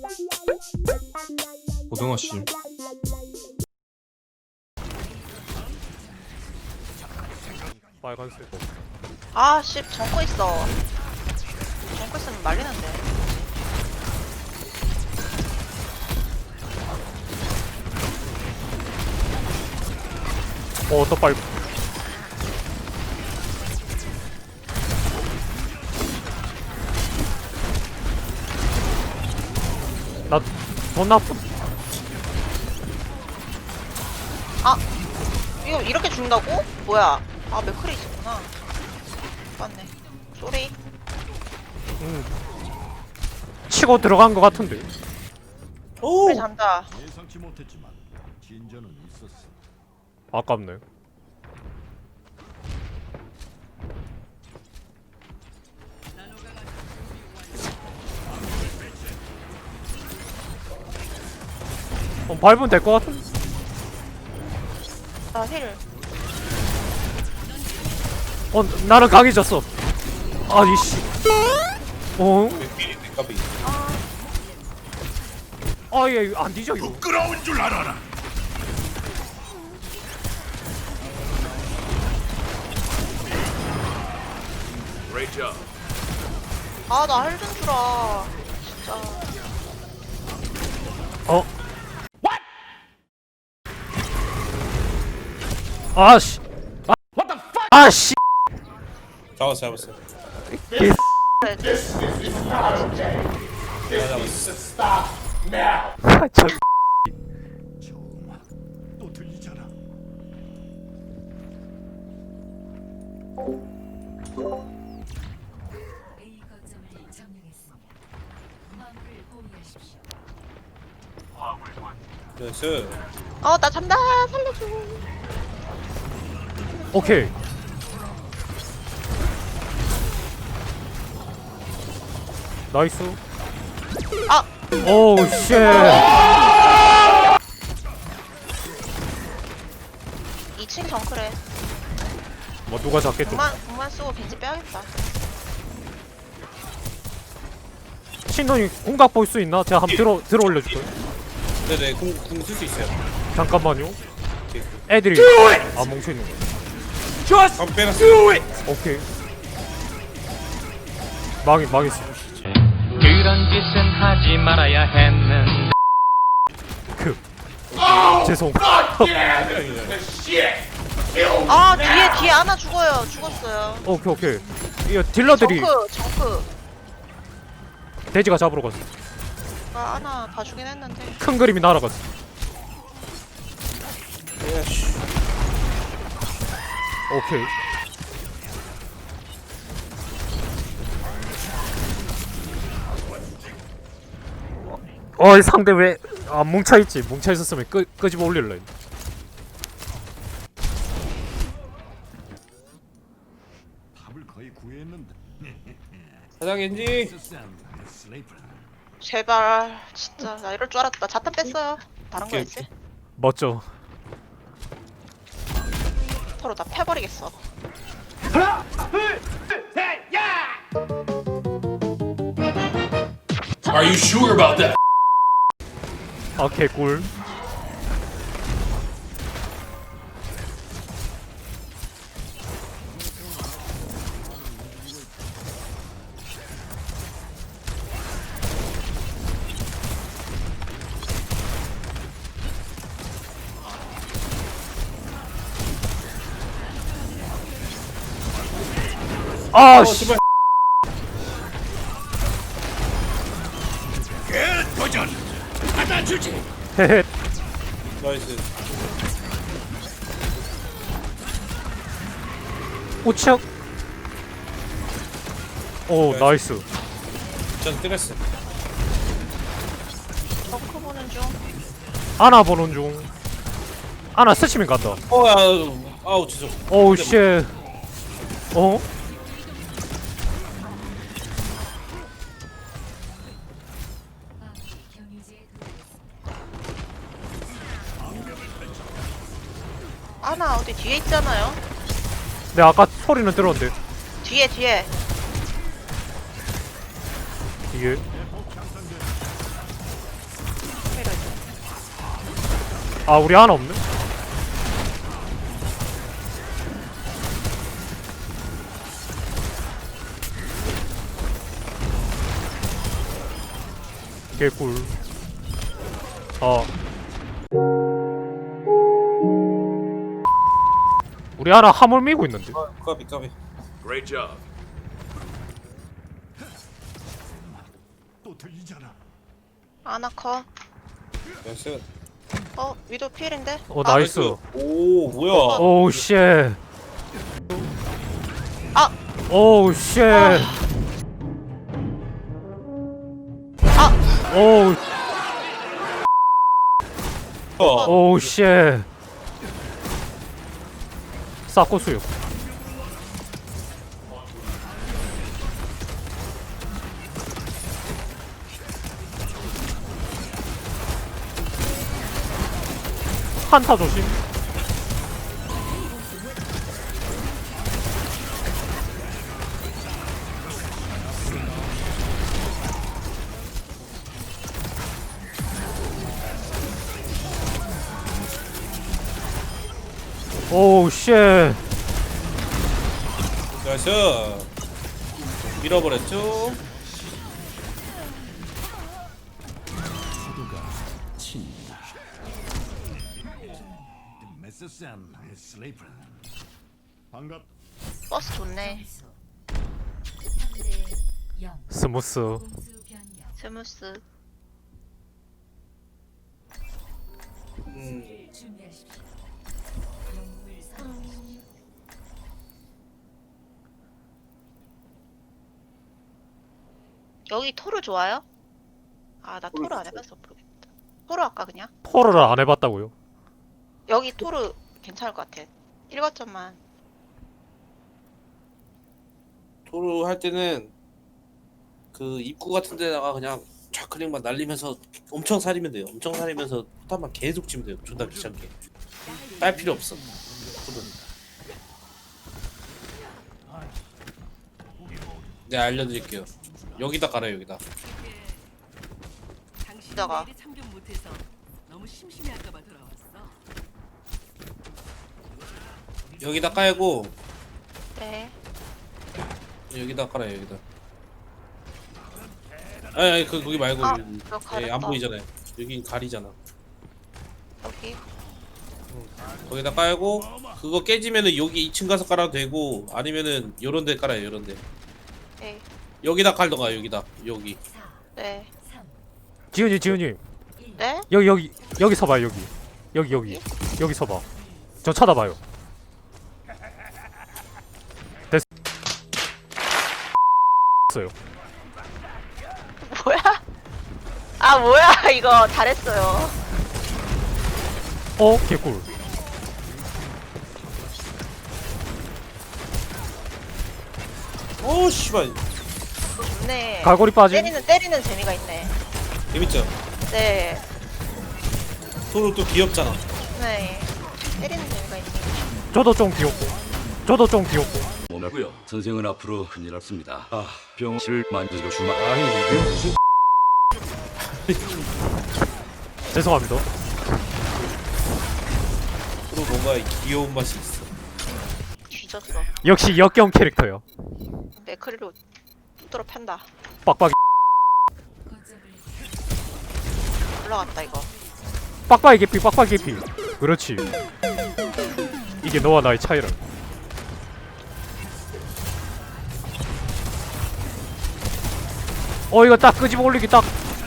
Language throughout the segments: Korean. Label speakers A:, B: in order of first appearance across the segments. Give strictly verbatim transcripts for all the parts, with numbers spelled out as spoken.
A: 고등어씨.
B: 빨간색.
C: 아, 씨, 정거 있어. 정거 있으면 말리는데.
B: 어, 또 빨. 나돈 나쁜.
C: 아, 이거 이렇게 죽는다고? 뭐야? 아, 맥클이 있었구나. 맞네. 쏘리.
B: 음. 치고 들어간 것 같은데.
C: 맥클 잔다.
D: 예상치 못했지만 진전은 있었어.
B: 아깝네. 어, 밟으면 될 것 같은데.
C: 나 힐.
B: 어, 나는 강해졌어. 아니 씨. 어? 아, 얘 안 뒤져 이거.
D: 부끄러운 줄 알아라.
C: 아, 나 힐 좀 주라. 진짜.
B: 어? 아씨. 아, 아씨.
A: 잡았어 잡았어.
C: 그래.
B: 아, 저
D: 저음악 또 들리잖아.
E: A 거점을 점령했습니다. 화물을 포위하십시오.
A: 나이스.
C: 어, 나 잔다. 살려줘.
B: 오케이. 나이스.
C: 아,
B: 오우 쉣.
C: 이 층 정크래.
B: 뭐 누가 잡겠죠?
C: 공만, 공만 쓰고 벤지 빼야겠다.
B: 신동이 공각 볼 수 있나? 제가 한번 들어 들어 올려줄게요.
A: 네네 궁궁쓸 수 있어요.
B: 잠깐만요. 애들이 안 뭉쳐 있는 거.
A: 한번 빼놨어.
B: 오케이. 망이 망했어.
F: 그런 짓은 하지 말아야 했는데.
B: 그. 죄송.
C: 아, 뒤에, 뒤에 하나 죽어요. 죽었어요.
B: 오케이 오케이. 이거 딜러들이
C: 정크, 정크.
B: 돼지가 잡으러 갔어.
C: 아, 하나 봐주긴 했는데.
B: 큰 그림이 날아갔어. 오케이. 어이 상대 왜 안 뭉쳐있지? 뭉쳐있었으면 끄, 끄집어 올릴래.
D: 답을 거의 구했는데.
A: 사장 엔지.
C: 제발. 진짜. 나 이럴 줄 알았다. 자탄 뺐어요. 다른
A: 오케이,
C: 거였지?
B: 멋져.
C: 서로 다 패버리겠어.
G: Are you sure about that?
B: 아 개꿀. 아 씨.
D: 도전 받아주지.
B: 헤헤.
A: 나이스.
B: 우측. 오 나이스.
A: 전 때렸어.
C: 정크 보는 중.
B: 아나 보는 중. 아나 스치면 간다.
A: 어 아우 아우 죄송.
B: 오우 쉣. 어?
E: 경유지에
C: 하나 어디 뒤에 있잖아요.
B: 내 아까 소리는 들었는데
C: 뒤에, 뒤에.
B: 이게 아 우리 하나 없네? 개꿀. 어. 우리 하나 화물 밀고 있는데.
A: 아, 까비 까비.
D: Great job. 또 들리잖아.
C: 아나커.
A: 나이스.
C: 어 위도 필인데?
B: 어 나이스.
A: 오 뭐야?
B: 오우 쉣.
C: 아!
B: 오우 쉣.
C: 아!
B: 오우
A: 어.
B: 오우 쉣. 싹고수요. 한타 조심. 오우 쉣.
A: 나이스. 밀어버렸죠.
D: 메스센 슬리퍼. 반갑.
C: 버스 좋네.
E: 점수 삼 대 영.
B: 스무스.
E: 공수 변경.
C: 스무스.
A: 음.
E: 준비하십시오. 영웅을 선택하십시오.
C: 여기 토르 좋아요? 아 나 토르 안 해봐서 모르겠다. 토르 할까 그냥?
B: 토르를 안 해봤다고요?
C: 여기 토르 괜찮을 것 같아. 일 거점만.
A: 토르 할 때는 그 입구 같은 데다가 그냥 좌클릭만 날리면서 엄청 살리면 돼요. 엄청 살리면서 포탄만 계속 치면 돼요. 존나 귀찮게. 딸 필요 없어. 토르는. 네 알려드릴게요. 여기다 깔아요 여기다.
G: 당신
C: 이따가.
G: 내일이 참견 못해서 너무 심심해할까봐 돌아왔어.
A: 여기다 깔고
C: 네.
A: 여기다 깔아요 여기다. 아니 아니 그 거기 말고
C: 아,
A: 여기.
C: 이거
A: 예,
C: 가렸다.
A: 안 보이잖아요. 여긴 가리잖아.
C: 여기.
A: 거기다 깔고 그거 깨지면은 여기 이 층 가서 깔아도 되고 아니면은 요런 데 깔아요 요런 데.
C: 네.
A: 여기다 깔던가 여기다 여기.
E: 사,
C: 네.
E: 삼,
B: 지훈이 지훈이
C: 네?
B: 여기 여기 여기 서봐 여기 여기 여기 여기 서봐. 저 쳐다봐요. 됐어요.
C: 뭐야? 아 뭐야 이거 잘했어요.
B: 어 개꿀.
A: 오 씨발
C: 이거 좋네.
B: 갈고리 빠짐.
C: 때리는 때리는 재미가 있네.
A: 재밌죠?
C: 네.
A: 토르 또 귀엽잖아.
C: 네. 때리는 재미가 있네.
B: 저도 좀 귀엽고. 저도 좀 귀엽고.
H: 뭐라고요? 선생은 앞으로 큰일 났습니다. 아, 병실 만지고 주마. 아니 이게 무슨
B: 죄송합니다.
A: 토르 뭔가 귀여운 맛이 있어.
C: 뒤졌어.
B: 역시 역경 캐릭터요.
C: 맥크리로 뚫어 편다.
B: 빡빡이
E: 거점을
C: 올라갔다 이거.
B: 빡빡이 개피 빡빡이 개피. 그렇지. 이게 너와 나의 차이라. 어 이거 딱 끄집어 올리기 딱.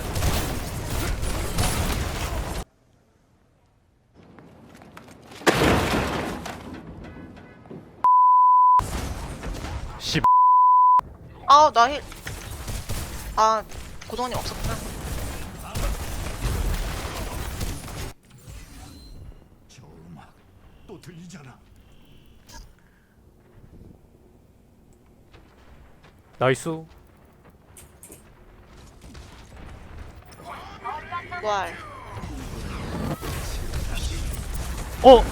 B: 씨.
C: 아 나 힐. 아 고동님 없었구나.
D: 저 음악 또 들리잖아.
B: 나이스.
C: 부활.
B: 어.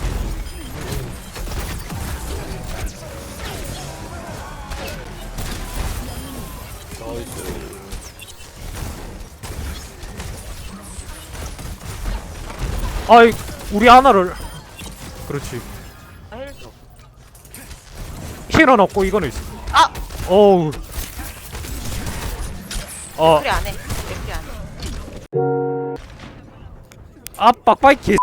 A: 나이스.
B: 아이 우리 하나를 그렇지.
C: 아, 힐 좀.
B: 힐은 없고 이거는 있어.
C: 아!
B: 어우. 어,
C: 그래 안 해. 그래 안 해.
B: 아 빡빡이 개.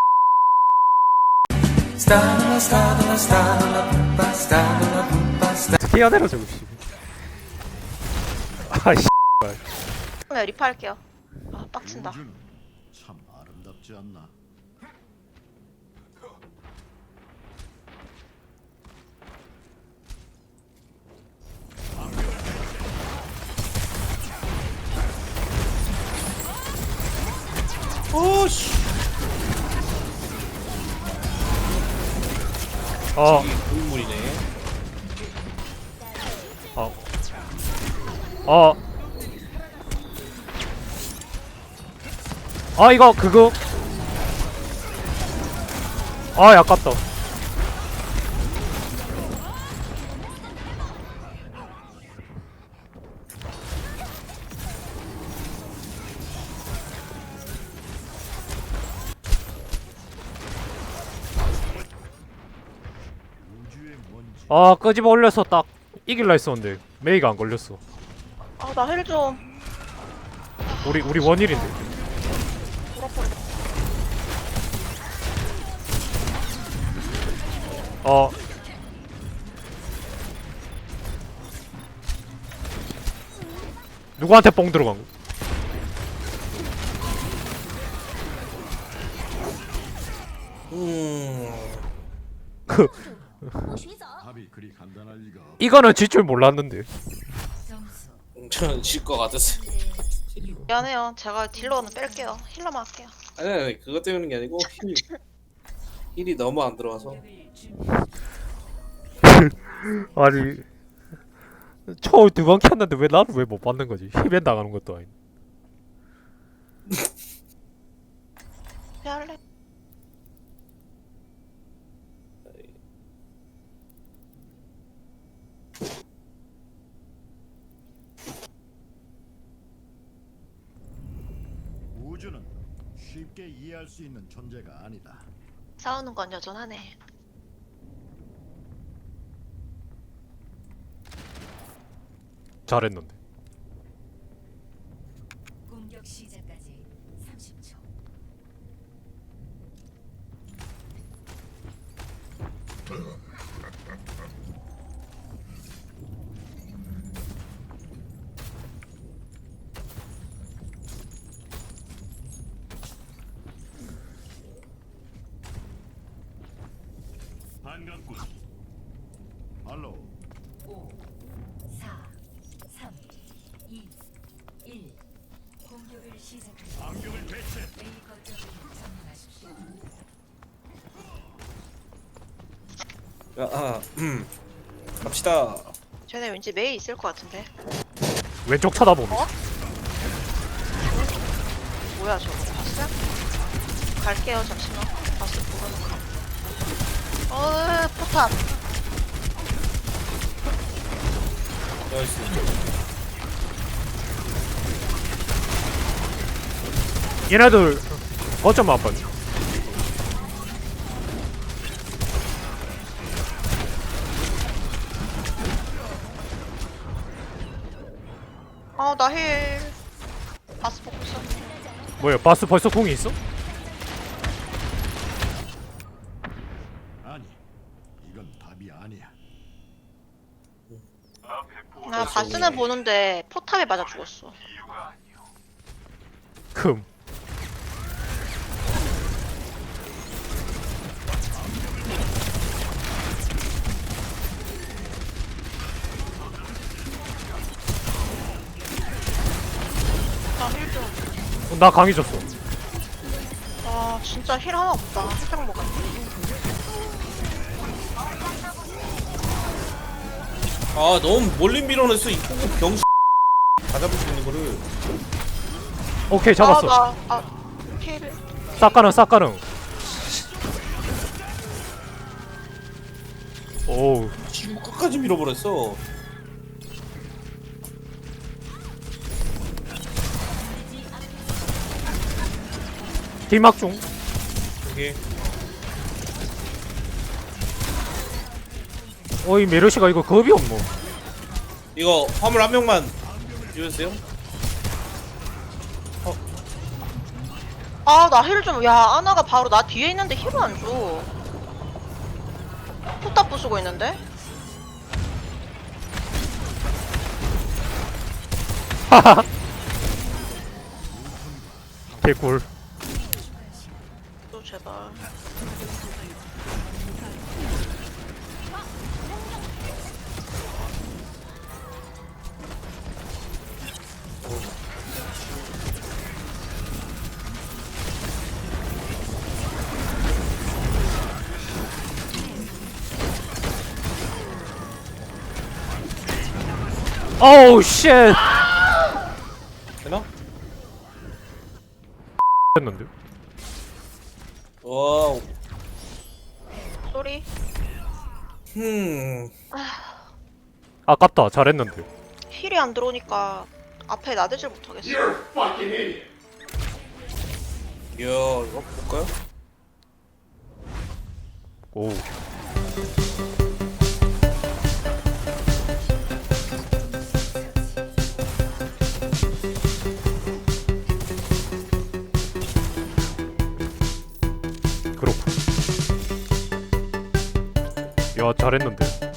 B: 어떻게 해야 되나 저거 씨. 아씨.
C: 네, 리파 할게요. 아, 빡친다.
D: 우주는 참 아름답지 않나?
A: 오씨.
B: 어,
A: 고인물이네.
B: 어, 어. 아 이거 그거. 아 아깝다.
D: 우주의 먼지.
B: 아 끄집어 올려서 딱 이길라 했었는데 메이가 안 걸렸어.
C: 아, 나 힐 좀.
B: 우리 우리 원일인데. 어. 누구한테 뽕 들어간 거?
A: 음.
B: 그
D: 답이 그리 간단할 리가 없.
B: 이거는 질 줄 몰랐는데.
E: 점수
A: 저는 질 것 같았어요.
E: 삼 대 육.
C: 미안해요. 제가 딜러는 뺄게요. 힐러만 할게요.
A: 아니, 아니 그것 때문인 게 아니고 힐이 힐이 너무 안 들어와서.
E: 공격을 준비.
B: 아니 초월 두 번 켰는데 왜 나를 왜 못 받는 거지? 힙엔 당하는 것도 아니.
C: 왜 할래?
D: 우주는 쉽게 이해할 수 있는 존재가 아니다.
C: 싸우는 건 여전하네.
B: 잘했는데.
E: 공격 시작까지 삼십 초.
D: 반갑군. 할로.
E: 오, 사, 삼, 이, 일. 공격을 시작합니다.
D: 안경을 배치.
E: A 거점을 점령하십시오.
A: 야, 아, 음. 갑시다.
C: 쟤네 왠지 메이 있을 것 같은데.
B: 왼쪽 쳐다보면.
C: 어? 뭐야 저거 봤어? 갈게요 잠시만. 봤어 보고. 어 포탑.
A: 나이스.
B: 얘네들 거점 안 봤네.
C: 아나 힐. 바스 보고 있어.
B: 뭐야 바스 벌써 공이 있어?
D: 아니, 이건 답이 아니야.
C: 나 바스는 보는데 포탑에 맞아 죽었어.
B: 금.
C: 나 힐 좀.
B: 어, 나 강해졌어.
C: 아 진짜 힐 하나 없다. 힐병 먹었네.
A: 아 너무 멀리 밀어냈어 이 포구 병. 다 잡을 수 있는 거를.
B: 오케이 잡았어.
C: 아, 나, 아, 힐.
B: 싹가능 싹가능. 오우.
A: 지구 끝까지 밀어버렸어.
B: 딜막 중.
A: 이게
B: 어이 메르시가 이거 겁이 없노.
A: 이거 화물 한 명만 주세요.
C: 아 나 힐 좀. 야 아나가 바로 나 뒤에 있는데 힐을 안 줘. 포탑 부수고 있는데.
B: 하하. 개꿀.
C: 또 제발.
B: 어우 쉣.
A: 되나?
B: 했는데.
A: 와우.
C: 쏘리.
A: 흠.
B: 아깝다. 잘했는데.
C: 힐이 안 들어오니까 앞에 나대질 못하겠어.
A: 이야 이거 볼까요?
B: 오. 그렇군. 야 잘했는데.